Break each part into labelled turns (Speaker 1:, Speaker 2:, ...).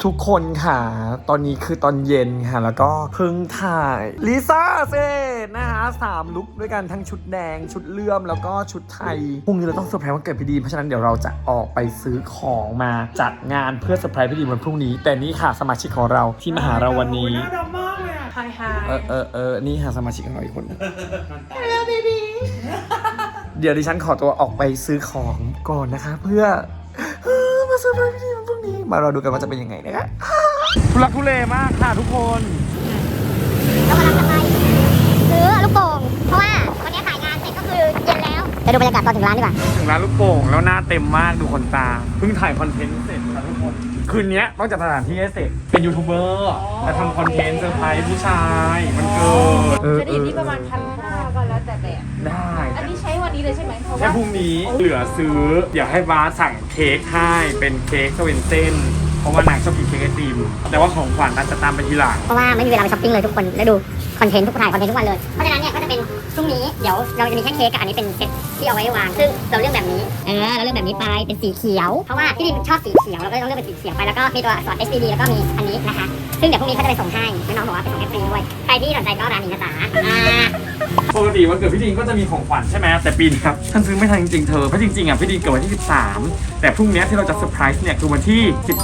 Speaker 1: ทุกคนค่ะตอนนี้คือตอนเย็นค่ะแล้วก็เพิ่งถ่ายลิซ่าเสร็จนะคะ3 ลุคด้วยกันทั้งชุดแดงชุดเลื่อมแล้วก็ชุดไทยพรุ่งนี้เราต้องเซอร์ไพรส์วันเกิดพี่ดีเพราะฉะนั้นเดี๋ยวเราจะออกไปซื้อของมาจัดงานเพื่อเซอร์ไพรส์พี่ดีวันพรุ่งนี้แต่นี่ค่ะสมาชิกของเราที่มาหาเราวันนี้
Speaker 2: น่ารักมากเลยอ่ะไฮ
Speaker 1: นี่ค่ะสมาชิกของเราอีกคนHello baby เดี๋ยวดิฉันขอตัวออกไปซื้อของก่อนนะคะเพื่อมาเซอร์ไพรส์พี่ดีวันพรุ่งนี้มารอดูกันว่าจะเป็นยังไงนะคะทุลักทุเลมากค่ะทุกคน
Speaker 3: เรากำลังจะไปซื้อลูกโป่งเพราะว่าวันนี้ถ่ายงานเสร็จก็คือเย็นแล้วไปดูบรรยากาศตอนถึงร้านดีกว่า
Speaker 1: ถึงร้านลูกโป่งแล้วหน้าเต็มมากดูคนตาเพิ่งถ่ายคอนเทนต์เสร็จค่ะทุกคนคืนนี้ต้องจัดสถานที่ให้เสร็จเป็นยูทูบเบอร์จะทำคอนเทนต์เซอร์ไพรส์ผู้ชายมันเกิด
Speaker 2: จะดีที่ประมาณ1,500ก็แล้วแต่แบบ
Speaker 1: ได้
Speaker 2: อันนี้ใช้วันนี้เลยใช่ไหมเพราะ
Speaker 1: แค่
Speaker 2: ว่า
Speaker 1: พรุ่งนี้เหลือซื้อเดี๋ยวให้บาสสั่งเค้กให้เป็นเค้กสเวนเซ่นเพราะว่านางชอบกินเค้กไอติมแต่ว่าของขวัญอาจจะตามไปทีหลัง
Speaker 3: เพราะว่าไม่มีเวลาไปช้อปปิ้งเลยทุกคนแล้วดูคอนเทนต์ถ่ายคอนเทนต์ทุกวันเลยเพราะฉะนั้นเนี่ยก็จะเป็นพรุ่งนี้เดี๋ยวเราจะมีแค่เค้กกับอันนี้เป็นเซตที่เอาไว้วางซึ่งเราเลือกแบบนี้เราเลือกแบบนี้ไปเป็นสีเขียวเพราะว่าพี่ดิมชอบสีเขียวเราก็ต้องเลือกเป็นสีเขียวไปแล้วก็มีตัวอักษร HDD แล้วก็มีอันนี้นะคะซึ่งเดี๋ยวพรุ่งนี้เขาจะไปส่งให้น้องบอกว่าไปส่งให้ฟรีด้วยใครที่สนใจก็ร้านนี้นะจ๊ะ
Speaker 1: ปกติวันเกิดพี่ดินก็จะมีของขวัญใช่ไหมแต่ปีนี้ครับฉันซื้อไม่ทันจริงๆเธอเพราะจริงๆอ่ะพี่ดินเกิดวันที่13แต่พรุ่งนี้ที่เราจะเซอร์ไพรส์เนี่ยคือวันที่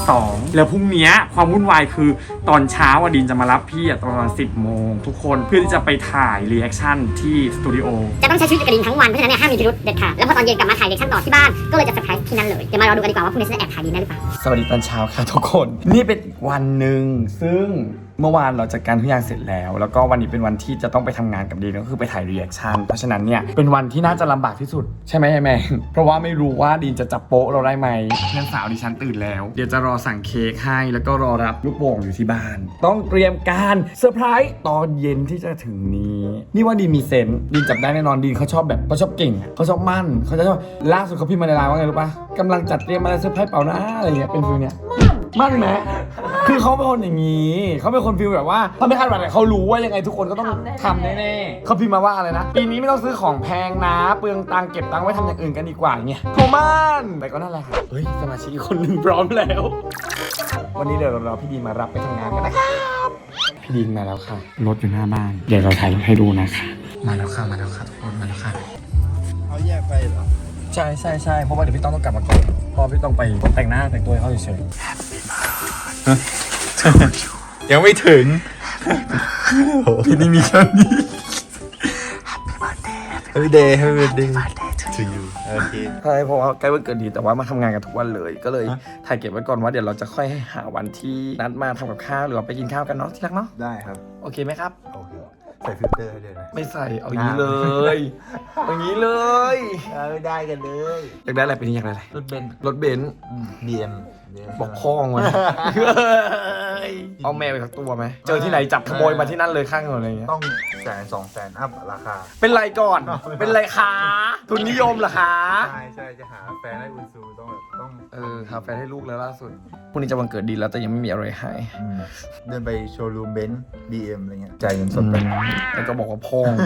Speaker 1: 12แล้วพรุ่งนี้ความวุ่นวายคือตอนเช้าดินจะมารับพี่ตอน10 โมงทุกคนเพื่อที่จะไปถ่ายรีแอคชั่นที่สตูดิโอ
Speaker 3: จะต้องใช้ชีวิตกับดินทั้งวันเพราะฉะนั้นเนี่ยห้ามมีพิรุธเด็ดขาดแล้วพอตอนเย็นกลับมาถ่ายรีแอคชั่นต่อที่บ้านก็เลยจะเซอร์ไพรส์ที่นั่นเลยเดี๋ยวมารอดูกันดีกว่าว่าพรุ่งนี้จะแอบถ่ายดินได้หรือเปล่า
Speaker 1: สวัสดีตอนเช้าค่ะทุกคนนี่เป็นอีกวันหนึ่งซึ่งเมื่อวานเราจัดการทุกอย่างเสร็จแล้วก็วันนี้เป็นวันที่จะต้องไปทำงานกับดีนก็คือไปถ่ายรีแอคชั่นเพราะฉะนั้นเนี่ยเป็นวันที่น่าจะลำบากที่สุดใช่ไหมแม่เพราะว่าไม่รู้ว่าดีนจะจับโป๊ะเราได้ไหมเพื่อนสาวดิฉันตื่นแล้วเดี๋ยวจะรอสั่งเค้กให้แล้วก็รอรับลูกโป่งอยู่ที่บ้านต้องเตรียมการเซอร์ไพรส์ตอนเย็นที่จะถึงนี้นี่ว่าดีนมีเซนส์ดีนจับได้แน่นอนดีนเขาชอบแบบเขาชอบเก่งเขาชอบมั่นเขาจะชอบล่าสุดเขาพิมพ์มาในไลน์ว่าไงรู้ปะกำลังจัดเตรียมอะไรเซอร์ไพรส์เปล่านะอะไรเงี้ยเป็นฟิลเนี้ยมั่นไหมคือเขาเป็นคนอย่างนี้เขาเป็นคนฟีลแบบว่าถ้าไม่คาดหวังเขารู้ว่ายังไงทุกคนก็ต้องทำแน่ๆเขาพิมพ์มาว่าอะไรนะปีนี้ไม่ต้องซื้อของแพงนะเปลืองตังค์เก็บตังค์ไว้ทำอย่างอื่นกันดีกว่าเงี้ยโทมันแต่ก็นั่นแหละค่ะเฮ้ยสมาชิกอีกคนหนึ่งพร้อมแล้ววันนี้เดี๋ยวเราพี่ดีนมารับไปทำงานกันนะครับพี่ดีนมาแล้วค่ะรถอยู่หน้าบ้านเดี๋ยวเราถ่ายให้ดูนะคะมาแล้วค่ะรถมาแล้วค่ะ
Speaker 4: เขาแยกไปเหรอ
Speaker 1: ใช่เพราะว่าเดี๋ยวพี่ต้องกลับมาก่อนเพราะพี่ต้องไปแต่งหน้าแต่งตัวให้เขาเฉย
Speaker 4: ยังไม่ถึง
Speaker 1: พี่นี่มีแค่นี้
Speaker 4: Happy birthday to you โอเค
Speaker 1: ใช่เพราะว่าใกล้วันเกิดดีแต่ว่ามาทำงานกันทุกวันเลยก็เลยถ่ายเก็บไว้ก่อนว่าเดี๋ยวเราจะค่อยหาวันที่นัดมาทำกับข้าวหรือว่าไปกินข้าวกันเนาะที่รักเนาะ
Speaker 4: ได้ครับ
Speaker 1: โอเคไหมครับ
Speaker 4: โอเคใส่ฟิลเตอร์ให้ด้วยนะ
Speaker 1: ไม่ใส่เอาอย่างนี้เลยอย่างนี้เลย
Speaker 4: ไม่ได้กันเลย
Speaker 1: อยากได้อะไรเป็นอยากได้อะไร
Speaker 4: รถเบนซ์ BM
Speaker 1: บอกพ้องมาเอาแมวไปสักตัวไหมเจอที่ไหนจับขโมยมาที่นั่นเลยข้างถนนอะไรเงี้ย
Speaker 4: ต้อง100,000-200,000อัพราคา
Speaker 1: เป็นไรก่อนเป็นไรคะทุนนิยมเหรอคะ
Speaker 4: ใช่จะหาแฟนให้อุนซูต้อง
Speaker 1: หาแฟนให้ลูกแล้วล่าสุดพรุ่งนี้จะวันเกิดดีแล้วแต่ยังไม่มีอะไรให้
Speaker 4: เดินไปโชว์รูมเบนซ์ BM อะไรเงี้ยจ่ายเงินสดไป
Speaker 1: แล้วก็บอกว่าพ้อง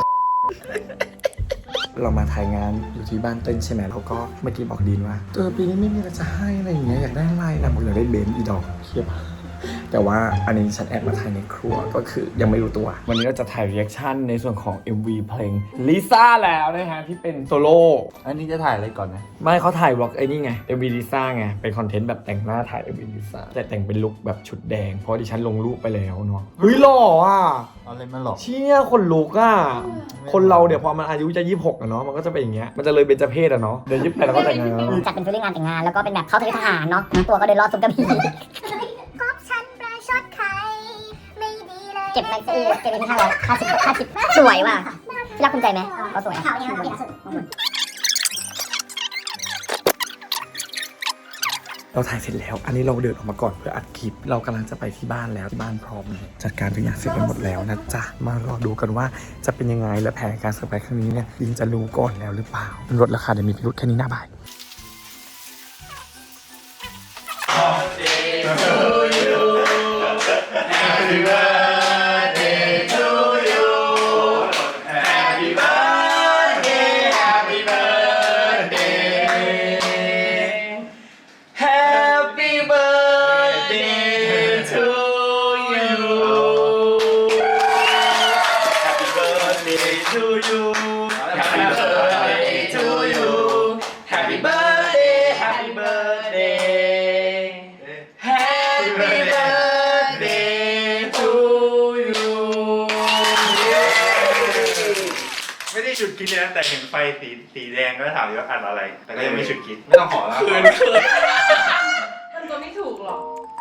Speaker 1: เรามาถ่ายงานอยู่ที่บ้านเต้นใช่ไหมแล้วก็เมื่อกี้บอกดีนว่าปีนี้ไม่มีอะไรจะให้อะไรอย่างเงี้ยอยากได้อะไรนะบอกอยากได้เบนซ์อีดอกเทียบแต่ว่าอันนี้ฉันแอบมาถ่ายในครัวก็คือยังไม่รู้ตัววันนี้เราจะถ่ายรีแอคชั่นในส่วนของ MV เพลงลิซ่าแล้วนะฮะที่เป็นโซโล่
Speaker 4: อันนี้จะถ่ายอะไรก่อนนะ
Speaker 1: ไม่เขาถ่ายบล็อกไอ้นี่ไง MV ลิซ่าไงเป็นคอนเทนต์แบบแต่งหน้าถ่าย MV ลิซ่าแต่แต่งเป็นลุคแบบชุดแดงเพราะดิฉันลงรูปไปแล้วเนาะเฮ้ยหล่ออ่ะ
Speaker 4: อะไรมันหล่อ
Speaker 1: เชี่ยคนลุกอ่ะคนเราเดี๋ยวพอมันอายุจะ26อะเนาะมันก็จะเป็นอย่างเงี้ยมันจะเลยเบญจเพศอะเนาะเดี๋ยว28แล้วก็แต่งงาน
Speaker 3: จัดเป็นฟีลลิ่งงานแต่งงานแล้วก็เป็นแบบเข้าถึงทหารเนาะตัวก็เดินรอดซุปกระบี่เก็บไปซื้อเก็บไปที่550สวยว่ะที่รักภูมิใจไหมเขาสวย
Speaker 1: เราถ่ายเสร็จแล้วอันนี้เราเดินออกมาก่อนเพื่ออัดคลิปเรากำลังจะไปที่บ้านแล้วที่บ้านพร้อมเลยจัดการทุกอย่างเสร็จไปหมดแล้วนะจ๊ะมารอดูกันว่าจะเป็นยังไงและแผนการเซอร์ไพรส์ครั้งนี้เนี่ยดินจะรู้ก่อนแล้วหรือเปล่าลดราคาเดี๋ยวมีพิรุธแค่นี้หน้าบ่าย birthday to you
Speaker 4: ไม่ได้ฉุดคิดเลยนะแต่เห็นไฟสีแดงก็ถามว่าอันอะไร แต่ก็ยังไม่ฉุดคิด ไม่ต้องขอแล้ว
Speaker 1: คืน
Speaker 2: มันตัวไม่ถูกหรอก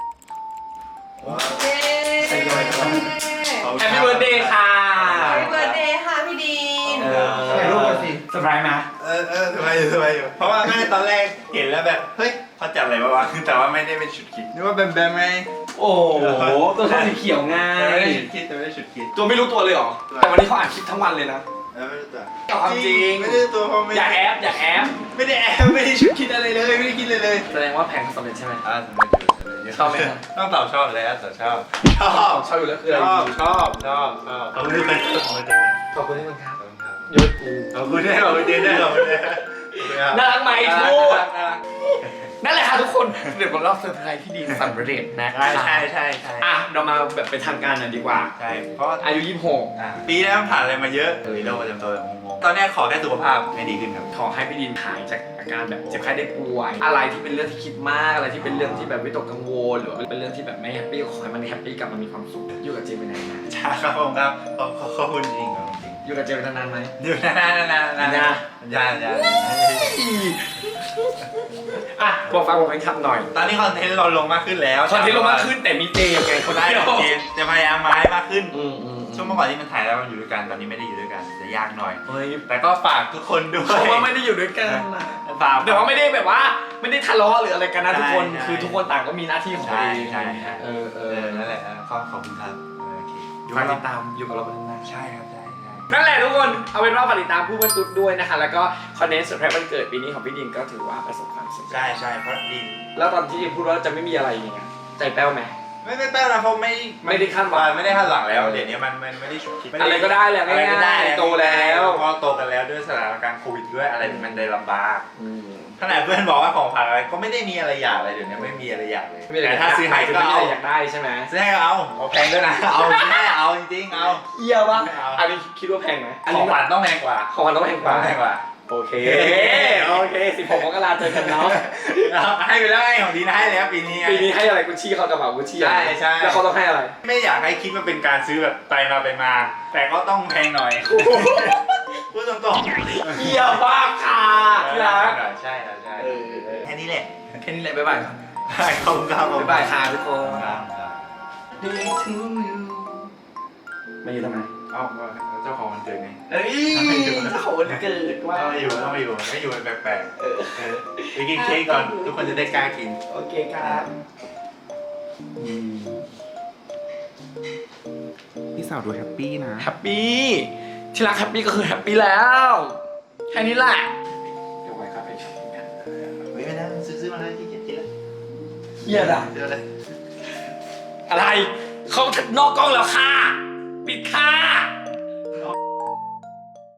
Speaker 1: Happy birthday ค่ะ
Speaker 2: Happy birthday ค่ะพี่ดีน
Speaker 1: ถ่ายรูปกันสิเซอร์ไพรส์ไหม
Speaker 4: สบายอยู่เพราะว่าแม่ตอนแรกเห็นแล้วแบบเฮ้ยเขาจัดอะไรมาวะแต่ว่าไม่ได้เป็นฉุดคิดนึกว่าแบมไง
Speaker 1: โอ้โหตัวชอบสีเขียวไง
Speaker 4: ไม่ได้ฉุดคิดแต่ไม่ได้ฉุดคิด
Speaker 1: ตัวไม่รู้ตัวเลยเหรอ แต่วันนี้เขาอ่านคลิปทั้งวันเลยนะ
Speaker 4: ไม่รู้ตัว
Speaker 1: เอาความจริง
Speaker 4: ไม่ได้ตัวเพราะไม่
Speaker 1: อย่าแอบอย่าแอบ
Speaker 4: ไม่ได้แอบไม่ได้ฉุดคิดอะไรเลยไม่ได้คิดเลย
Speaker 1: แสดงว่าแผนสำเร็จใช่ไหม
Speaker 4: ชอบไหมต้องตอบชอบเลยแต่ชอบ
Speaker 1: ชอบอยู่แล้วคืออะไร
Speaker 4: ชอบขอบคุณที่เป็นขอบคุณ
Speaker 1: ขอบคุณที่มันครับ
Speaker 4: ยศกูขอบคุณได้ขอบคุณได้ขอบคุณได้
Speaker 1: น่ารักไหมทูดนั่นแหละค่ะทุกคนเดี๋ยวผมเล่าเซอร์ไพรส์ที่ดีสำเร็จนะ
Speaker 4: ใช่
Speaker 1: อ่ะเรามาแบบไปทำการกันดีกว่า
Speaker 4: ใช่เพราะ
Speaker 1: อายุ
Speaker 4: ปีแล้วผ่านอะไรมาเยอะโรคประจำตัวแบบงงๆตอนนี้ขอแค่สุขภาพให้ดีขึ้นครับ
Speaker 1: 26ขอให้พี่ดินหายจากอาการแบบเจ็บไข้ได้ป่วย อะไรที่เป็นเรื่องที่คิดมากอะไรที่เป็นเรื่องที่แบบวิตกกังวลหรือว่าเป็นเรื่องที่แบบไม่แฮปปี้ขอให้มันแฮปปี้กลับมามีความสุขอยู่กับเจเป็นนานๆ
Speaker 4: ใช่ครับผมครับขอบคุณจริงครับจริง
Speaker 1: อยู่กับเจเป็นนานๆไหม
Speaker 4: อยู่นาน
Speaker 1: อ่ะบอกฟังผมเป็นคำหน่อย
Speaker 4: ตอนนี้คอนเทนต์เราลงมากขึ้นแล้ว
Speaker 1: คอนเทนต์ลงมากขึ้นแต่มีเจไงคน
Speaker 4: ได้
Speaker 1: เดียว
Speaker 4: เกมจะพยายามมาให้มากขึ้น
Speaker 1: อืม
Speaker 4: ช่วงเมื่อก่อนที่มันถ่ายแล้วมันอยู่ด้วยกันตอนนี้ไม่ได้อยู่ด้วยกันจะยากหน่อย
Speaker 1: เฮ้ย
Speaker 4: แต่ก็ฝากทุกคนด้วย
Speaker 1: เขาว่าไม่ได้อยู่ด้วยกันนะ
Speaker 4: ฝาก
Speaker 1: แต่ว่าไม่ได้แบบว่าไม่ได้ทะเลาะหรืออะไรกันนะทุกคน
Speaker 4: ใช่
Speaker 1: คือทุกคนต่างก็มีหน้าที่ของตัวเอง
Speaker 4: ใช่
Speaker 1: นั่นแหละ
Speaker 4: ขอบคุณครับโอเค
Speaker 1: ฝากติดตามอยู่กับเราเป็นนาน
Speaker 4: ใช่ครับใช่
Speaker 1: นั่นแหละทุกคนเอาเป็นว่าฝากติดตามผู้บรรทุกด้วยนะคะแล้วก็คอนเทนต์เซอร์ไพรส์วันเกิดปีนี้ของพี่ดินก็ถือว่าประสบความสำเร็จ
Speaker 4: ใช่เพราะดิน
Speaker 1: แล้วตอนที่พูดว่าจะไม่มีอะไรอย่างเงี้ยใจแป้วไหม
Speaker 4: ไม่แป้วนะเพราะไม่ได้คาดหวังแล้วเดี๋ยวนี้มันไม่ได้ฉุกคิด
Speaker 1: อะไรก็ได้แหละง่ายๆโตแล้ว
Speaker 4: พอโตกันแล้วด้วยสถานการณ์โควิดด้วยอะไรมันได้ลำบากขนาดเพื่อนบอกว่าของผ่านอะไรก็ไม่ได้มีอะไรอยากเลยเดี๋ยวนี้ไม่มีอะไรอยากเลยแต่ถ้าซื้อให้ก็
Speaker 1: ไม่
Speaker 4: เอา
Speaker 1: ได้อยากได้ใช่ไหม
Speaker 4: ซื้อให้ก็เอาแพงด้วยนะเอาไม่เอาจริงๆเอา
Speaker 1: เยี่ยมวะอันนี้คิดว่าแพงไหม
Speaker 4: ของขวัญต้องแพงกว่า
Speaker 1: ของมันต้องแพงกว่า โอเค16 มกราเจอกันเนาะ
Speaker 4: ให้ไปแล้วไงของดีนะให้แล้วปีนี้
Speaker 1: ปีนี้ให้อะไรกุชชี่เขากระเป๋ากุชชี่
Speaker 4: ใช่
Speaker 1: แล้วเขาต้องให้อะไร
Speaker 4: ไม่อยากให้คิดว่าเป็นการซื้อแบบไปมา แต่ก็ต้องแพงหน่อยพูดตรงๆ
Speaker 1: เยี่ยมมากค่ะที่รัก
Speaker 4: ใช่แค่นี้แหละ
Speaker 1: แค่นี้แหละบ๊ายบายครับ
Speaker 4: ขอบคุณครับ
Speaker 1: บ๊ายบายค่ะทุกคน
Speaker 4: ครับ
Speaker 1: Day to you ไม่อยู่ทำไม
Speaker 4: เอ้าเจ้าของมันเกิดไง
Speaker 1: เอ้ยเจ้าของวันเกิดว่า
Speaker 4: ไม่อยู่แปลกๆไปกินเค้กก่อนทุกคนจะได้กล้ากิน
Speaker 1: โอเคครับ
Speaker 5: พี่สาวดูแฮปปี้นะ
Speaker 1: แฮปปี้ที่รักแฮปปี้ก็คือแฮปปี้แล้วแค่นี้แหละเดี๋ยวไว้ครับไปช็อปปิ้งกัน
Speaker 4: ไม่ได้ซื้อมาเลยที่เกียจกินแล้ว
Speaker 1: เฮียอะ
Speaker 4: เดี๋ยวเลย
Speaker 1: อะไรเขานอกกล้องแล้วค่ะปิดค่ะ